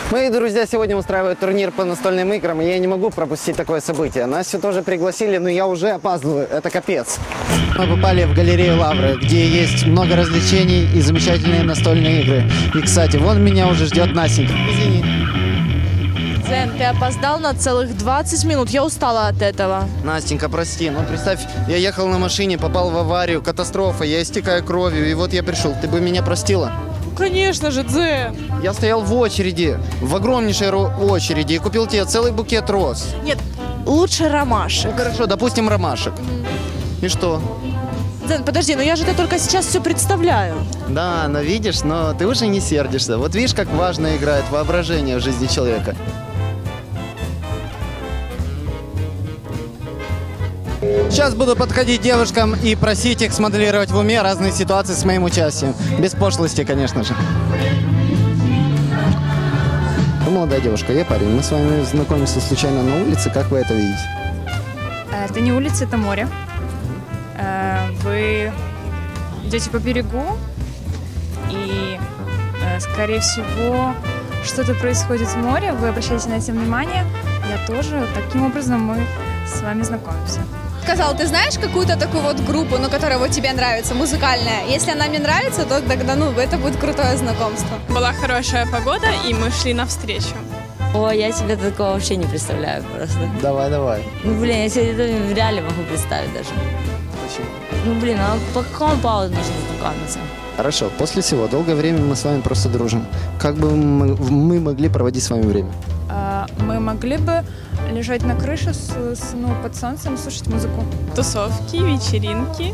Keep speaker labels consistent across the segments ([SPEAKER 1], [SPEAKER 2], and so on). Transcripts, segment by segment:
[SPEAKER 1] Мои друзья сегодня устраивают турнир по настольным играм, и я не могу пропустить такое событие. Настю тоже пригласили, но я уже опаздываю. Это капец. Мы попали в галерею Лавры, где есть много развлечений и замечательные настольные игры. И, кстати, вон меня уже ждет Настенька. Извини.
[SPEAKER 2] Зен, ты опоздал на целых 20 минут. Я устала от этого.
[SPEAKER 1] Настенька, прости, но представь, я ехал на машине, попал в аварию, катастрофа, я истекаю кровью, и вот я пришел. Ты бы меня простила?
[SPEAKER 2] Конечно же, Зен.
[SPEAKER 1] Я стоял в очереди, в огромнейшей очереди, и купил тебе целый букет роз.
[SPEAKER 2] Нет, лучше ромашек.
[SPEAKER 1] Ну хорошо, допустим, ромашек. И что?
[SPEAKER 2] Зен, подожди, но я же это только сейчас все представляю.
[SPEAKER 1] Да, но видишь, но ты уже не сердишься. Вот видишь, как важно играет воображение в жизни человека. Сейчас буду подходить девушкам и просить их смоделировать в уме разные ситуации с моим участием. Без пошлости, конечно же. Вы молодая девушка, я парень. Мы с вами знакомимся случайно на улице. Как вы это видите?
[SPEAKER 3] Это не улица, это море. Вы идете по берегу, и, скорее всего, что-то происходит в море. Вы обращаете на это внимание. Я тоже. Таким образом мы с вами знакомимся.
[SPEAKER 4] Сказал, ты знаешь какую-то такую вот группу, ну, которая вот тебе нравится, музыкальная? Если она мне нравится, то тогда, ну, это будет крутое знакомство.
[SPEAKER 5] Была хорошая погода, и мы шли навстречу.
[SPEAKER 6] О, я себе такого вообще не представляю просто.
[SPEAKER 1] Давай, давай.
[SPEAKER 6] Ну, блин, я себе это в реале могу представить даже.
[SPEAKER 1] Почему?
[SPEAKER 6] Ну, блин, а по какому поводу нужно знакомиться?
[SPEAKER 1] Хорошо, после всего, долгое время мы с вами просто дружим. Как бы мы могли проводить с вами время?
[SPEAKER 3] Мы могли бы лежать на крыше под солнцем и слушать музыку.
[SPEAKER 5] Тусовки, вечеринки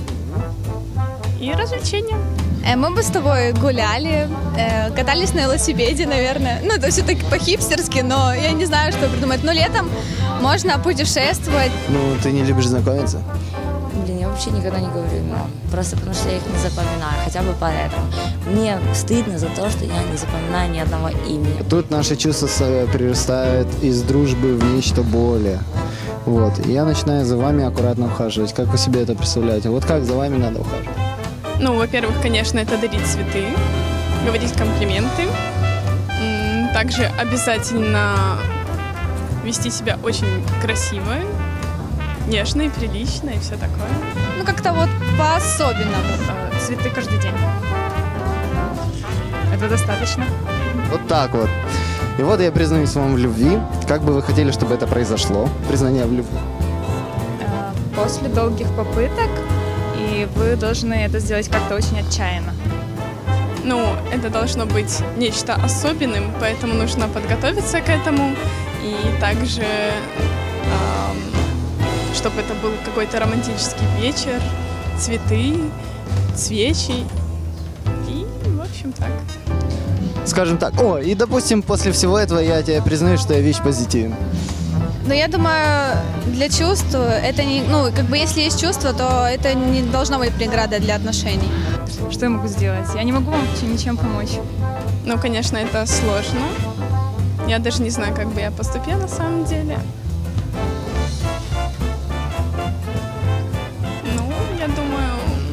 [SPEAKER 5] и развлечения.
[SPEAKER 4] Мы бы с тобой гуляли, катались на велосипеде, наверное. Ну, это все-таки по-хипстерски, но я не знаю, что придумать. Но летом можно путешествовать.
[SPEAKER 1] Ну, ты не любишь знакомиться?
[SPEAKER 6] Блин, я вообще никогда не говорю имен. Просто потому что я их не запоминаю, хотя бы поэтому. Мне стыдно за то, что я не запоминаю ни одного имени.
[SPEAKER 1] Тут наши чувства перерастают из дружбы в нечто более. Вот. И я начинаю за вами аккуратно ухаживать. Как вы себе это представляете? Вот как за вами надо ухаживать?
[SPEAKER 5] Ну, во-первых, конечно, это дарить цветы, говорить комплименты. Также обязательно вести себя очень красиво, нежно и прилично, и все такое.
[SPEAKER 4] Ну, как-то вот по-особенному.
[SPEAKER 3] Цветы каждый день. Это достаточно.
[SPEAKER 1] Вот так вот. И вот я признаюсь вам в любви. Как бы вы хотели, чтобы это произошло? Признание в любви.
[SPEAKER 3] После долгих попыток, и вы должны это сделать как-то очень отчаянно.
[SPEAKER 5] Ну, это должно быть нечто особенным, поэтому нужно подготовиться к этому. И также, чтобы это был какой-то романтический вечер, цветы, свечи и, в общем, так.
[SPEAKER 1] Скажем так. О, и допустим, после всего этого я тебе признаю, что я вещь позитивная.
[SPEAKER 4] Но я думаю, для чувств это не... Ну, как бы если есть чувство, то это не должно быть преградой для отношений.
[SPEAKER 3] Что я могу сделать? Я не могу вам ничем помочь.
[SPEAKER 5] Ну, конечно, это сложно. Я даже не знаю, как бы я поступила на самом деле. Ну, я думаю,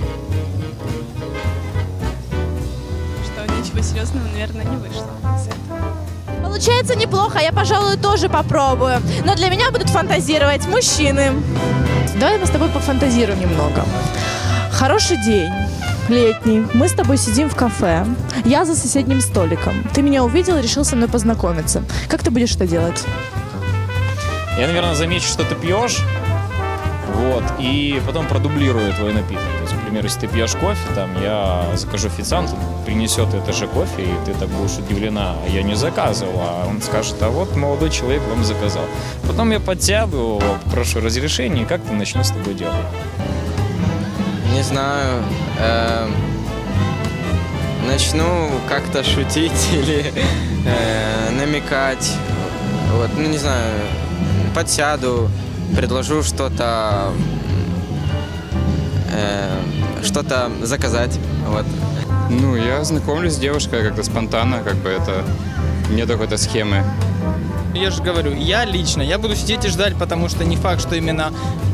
[SPEAKER 5] что ничего серьезного, наверное, не вышло из этого.
[SPEAKER 2] Получается неплохо, я, пожалуй, тоже попробую. Но для меня будут фантазировать мужчины. Давай мы с тобой пофантазируем немного. Хороший день. Летний. Мы с тобой сидим в кафе. Я за соседним столиком. Ты меня увидел и решил со мной познакомиться. Как ты будешь это делать?
[SPEAKER 7] Я, наверное, замечу, что ты пьешь, вот, и потом продублирую твой напиток. То есть, например, если ты пьешь кофе, там, я закажу официанту, принесет это же кофе, и ты так будешь удивлена. А я не заказывал, а он скажет, а вот молодой человек вам заказал. Потом я подсяду его, прошу разрешения, и как-то начну с тобой делать.
[SPEAKER 8] Не знаю, начну как-то шутить или намекать, вот, ну не знаю, подсяду, предложу что-то заказать, вот.
[SPEAKER 9] Ну, я знакомлюсь с девушкой как-то спонтанно, как бы это нет какой-то схемы.
[SPEAKER 10] Я же говорю, я буду сидеть и ждать, потому что не факт, что именно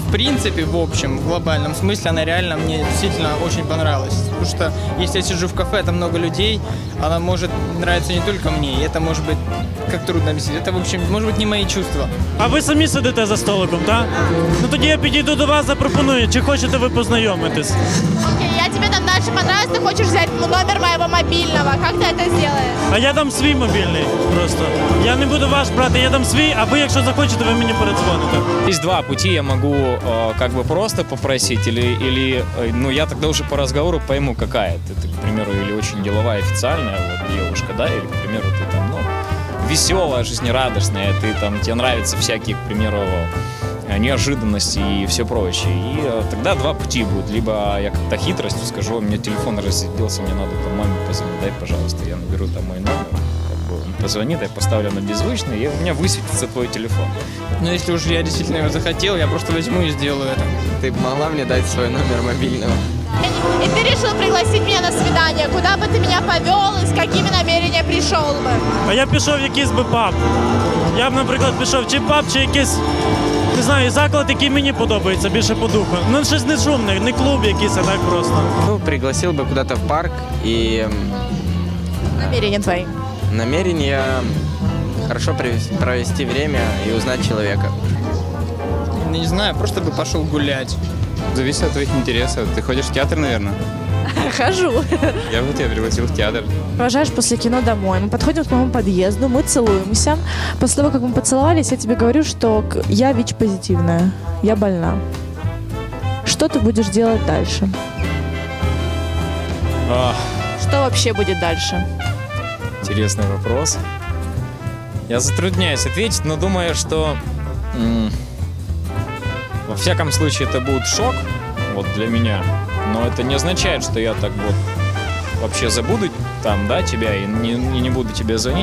[SPEAKER 10] в принципе, в общем, в глобальном смысле, она реально мне действительно очень понравилась. Потому что если я сижу в кафе, там много людей, она может нравиться не только мне. И это может быть, как трудно объяснить, это, в общем, может быть, не мои чувства.
[SPEAKER 11] А ви самі сидите за столиком, так? Ну тоді я підійду до вас, запропоную, чи хочете ви познайомитись?
[SPEAKER 2] Окей, я тебе там дальше понравилась, ты хочешь взять номер моего мобильного. Как ты это сделаешь?
[SPEAKER 11] А я дам свій мобільний просто. Я не буду ваш брати, я дам свій, а ви, якщо захочете, ви мені передзвоните.
[SPEAKER 7] Есть два пути, я могу как бы просто попросить, или ну я тогда уже по разговору пойму, какая ты, к примеру, или очень деловая, официальная вот, девушка, да, или, к примеру, ты там, ну, веселая, жизнерадостная, тебе нравятся всякие, к примеру, неожиданности и все прочее. И тогда два пути будут. Либо я как-то хитростью скажу, у меня телефон разрядился, мне надо там маме позвонить, дай, пожалуйста, я наберу там мой номер. Он позвонит, я поставлю на беззвучный, и у меня высветится твой телефон.
[SPEAKER 10] Но если уж я действительно его захотел, я просто возьму и сделаю это.
[SPEAKER 8] Ты могла мне дать свой номер мобильного?
[SPEAKER 2] И ты решил пригласить меня на свидание. Куда бы ты меня повел и с какими намерениями пришел бы?
[SPEAKER 11] А я пішов в якийсь би паб. Я б, наприклад, пішов чи паб, чи якийсь, не знаю, заклад, який мені подобається, більше по духу. Ну, щось не шумне, не клуб якийсь, а так просто.
[SPEAKER 8] Ну, пригласил бы куда-то в парк и...
[SPEAKER 2] Намерения твои.
[SPEAKER 8] Намерение хорошо провести время и узнать человека.
[SPEAKER 10] Не знаю, просто бы пошел гулять.
[SPEAKER 9] Зависит от твоих интересов. Ты ходишь в театр, наверное?
[SPEAKER 2] Хожу.
[SPEAKER 9] Я бы тебя пригласил в театр.
[SPEAKER 2] Провожаешь после кино домой. Мы подходим к моему подъезду, мы целуемся. После того, как мы поцеловались, я тебе говорю, что я ВИЧ-позитивная, я больна. Что ты будешь делать дальше? Что вообще будет дальше?
[SPEAKER 7] Интересный вопрос. Я затрудняюсь ответить, но думаю, что во всяком случае это будет шок вот для меня. Но это не означает, что я так вот вообще забуду там, да, тебя и не буду тебе звонить.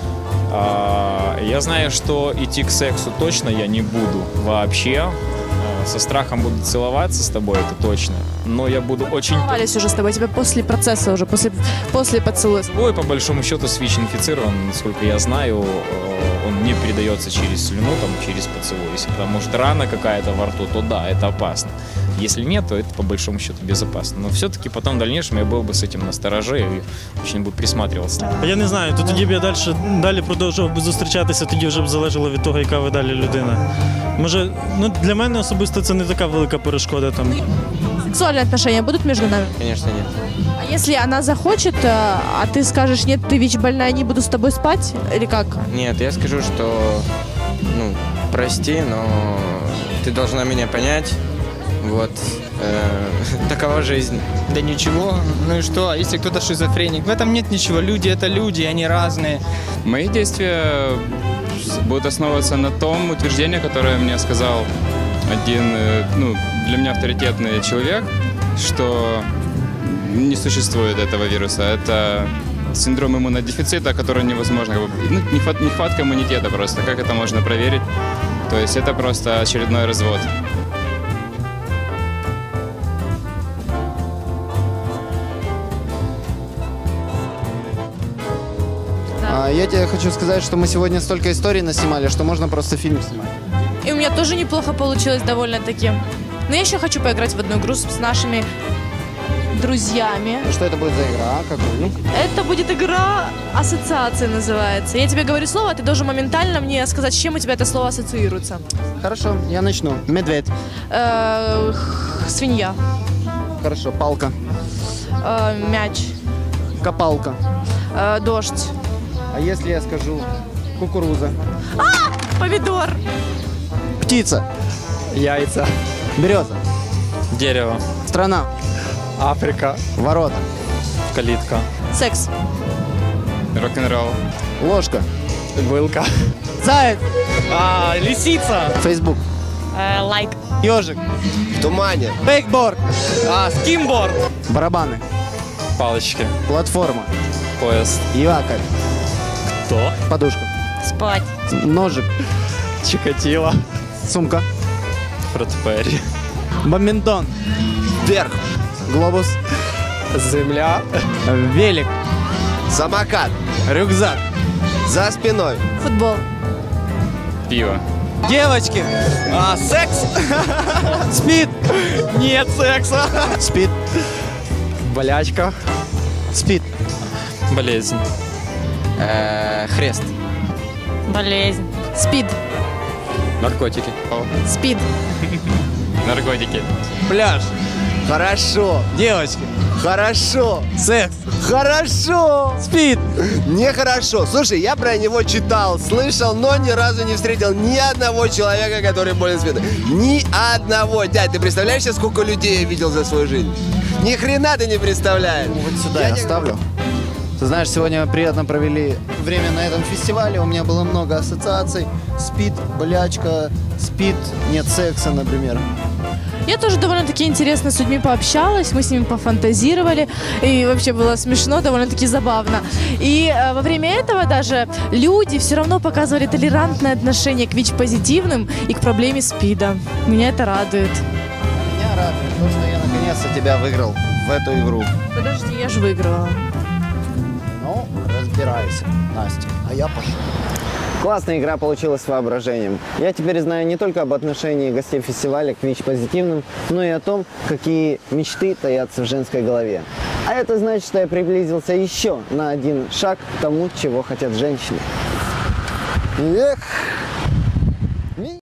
[SPEAKER 7] Я знаю, что идти к сексу точно я не буду вообще. Со страхом буду целоваться с тобой, это точно. Но я буду очень...
[SPEAKER 2] Целовались уже с тобой, тебя после процесса уже, после поцелуя.
[SPEAKER 7] Ой, по большому счету, СВИЧ инфицирован, насколько я знаю, он не передается через слюну, там, через поцелуй. Если потому что рана какая-то во рту, то да, это опасно. Если нет, то это по большому счету безопасно. Но все-таки потом в дальнейшем я был бы с этим настороже и очень бы присматривался.
[SPEAKER 11] Я не знаю, то тоді б я далі продовжував би зустрічатися, тоді вже б залежало від того, яка ви далі людина. Може, ну для мене особисто це не така велика перешкода там.
[SPEAKER 2] Сексуальные отношения будут между нами?
[SPEAKER 8] Конечно, нет.
[SPEAKER 2] А если она захочет, а ты скажешь, нет, ты ВИЧ-больная, не буду с тобой спать? Или как?
[SPEAKER 8] Нет, я скажу, что, ну, прости, но ты должна меня понять. Вот, такова жизнь.
[SPEAKER 10] Да ничего, ну и что, а если кто-то шизофреник? В этом нет ничего, люди это люди, они разные.
[SPEAKER 9] Мои действия будут основываться на том утверждении, которое мне сказал один, ну, для меня авторитетный человек, что не существует этого вируса. Это синдром иммунодефицита, который невозможно, ну, нехватка иммунитета просто. Как это можно проверить? То есть это просто очередной развод.
[SPEAKER 1] Я тебе хочу сказать, что мы сегодня столько историй наснимали, что можно просто фильм снимать.
[SPEAKER 2] И у меня тоже неплохо получилось довольно-таки. Но я еще хочу поиграть в одну игру с нашими друзьями.
[SPEAKER 1] Что это будет за игра? Какую?
[SPEAKER 2] Это будет игра ассоциации называется. Я тебе говорю слово, а ты должен моментально мне сказать, с чем у тебя это слово ассоциируется.
[SPEAKER 1] Хорошо, я начну. Медведь.
[SPEAKER 2] Свинья.
[SPEAKER 1] Хорошо, палка.
[SPEAKER 2] Мяч.
[SPEAKER 1] Копалка.
[SPEAKER 2] Дождь.
[SPEAKER 1] А если я скажу кукуруза?
[SPEAKER 2] Помидор.
[SPEAKER 1] Птица.
[SPEAKER 12] Яйца.
[SPEAKER 1] Береза.
[SPEAKER 12] Дерево.
[SPEAKER 1] Страна.
[SPEAKER 12] Африка.
[SPEAKER 1] Ворота.
[SPEAKER 12] Калитка.
[SPEAKER 2] Секс.
[SPEAKER 9] Рок-н-ролл.
[SPEAKER 1] Ложка.
[SPEAKER 12] Вилка.
[SPEAKER 1] Заяц.
[SPEAKER 12] Лисица.
[SPEAKER 1] Фейсбук.
[SPEAKER 2] Лайк.
[SPEAKER 1] Ежик.
[SPEAKER 12] В тумане.
[SPEAKER 1] Бейкборд.
[SPEAKER 12] Скимборд.
[SPEAKER 1] Барабаны.
[SPEAKER 12] Палочки.
[SPEAKER 1] Платформа.
[SPEAKER 12] Поезд.
[SPEAKER 1] Якорь.
[SPEAKER 12] Кто?
[SPEAKER 1] Подушка.
[SPEAKER 2] Спать.
[SPEAKER 1] Ножик.
[SPEAKER 12] Чикатило.
[SPEAKER 1] Сумка.
[SPEAKER 12] Фред Перри.
[SPEAKER 1] Бадминтон.
[SPEAKER 12] Вверх.
[SPEAKER 1] Глобус.
[SPEAKER 12] Земля.
[SPEAKER 1] Велик.
[SPEAKER 12] Самокат.
[SPEAKER 1] Рюкзак.
[SPEAKER 12] За спиной.
[SPEAKER 2] Футбол.
[SPEAKER 9] Пиво.
[SPEAKER 13] Девочки.
[SPEAKER 12] Секс?
[SPEAKER 13] Спид.
[SPEAKER 12] Нет секса.
[SPEAKER 13] Спид.
[SPEAKER 12] Болячка.
[SPEAKER 13] Спид.
[SPEAKER 12] Болезнь.
[SPEAKER 8] Хрест.
[SPEAKER 2] Болезнь. Спид.
[SPEAKER 12] Наркотики.
[SPEAKER 2] Спид.
[SPEAKER 9] Наркотики.
[SPEAKER 13] Пляж. Хорошо. Девочки. Хорошо. Секс. Хорошо. Спид.
[SPEAKER 14] Нехорошо. Слушай, я про него читал, слышал, но ни разу не встретил ни одного человека, который болен спидом. Ни одного. Дядь, ты представляешь, сколько людей я видел за свою жизнь? Ни хрена ты не представляешь.
[SPEAKER 1] Вот сюда я оставлю. Ты знаешь, сегодня приятно провели время на этом фестивале. У меня было много ассоциаций. Спид, болячка, спид, нет секса, например.
[SPEAKER 2] Я тоже довольно-таки интересно с людьми пообщалась, мы с ними пофантазировали, и вообще было смешно, довольно-таки забавно. И во время этого даже люди все равно показывали толерантное отношение к ВИЧ-позитивным и к проблеме СПИДа. Меня это радует.
[SPEAKER 1] Меня радует то, что я наконец-то тебя выиграл в эту игру.
[SPEAKER 2] Подожди, я же выиграла.
[SPEAKER 1] Ну, разбирайся, Настя, а я пошел. Классная игра получилась с воображением. Я теперь знаю не только об отношении гостей фестиваля к ВИЧ-позитивным, но и о том, какие мечты таятся в женской голове. А это значит, что я приблизился еще на один шаг к тому, чего хотят женщины. Эх!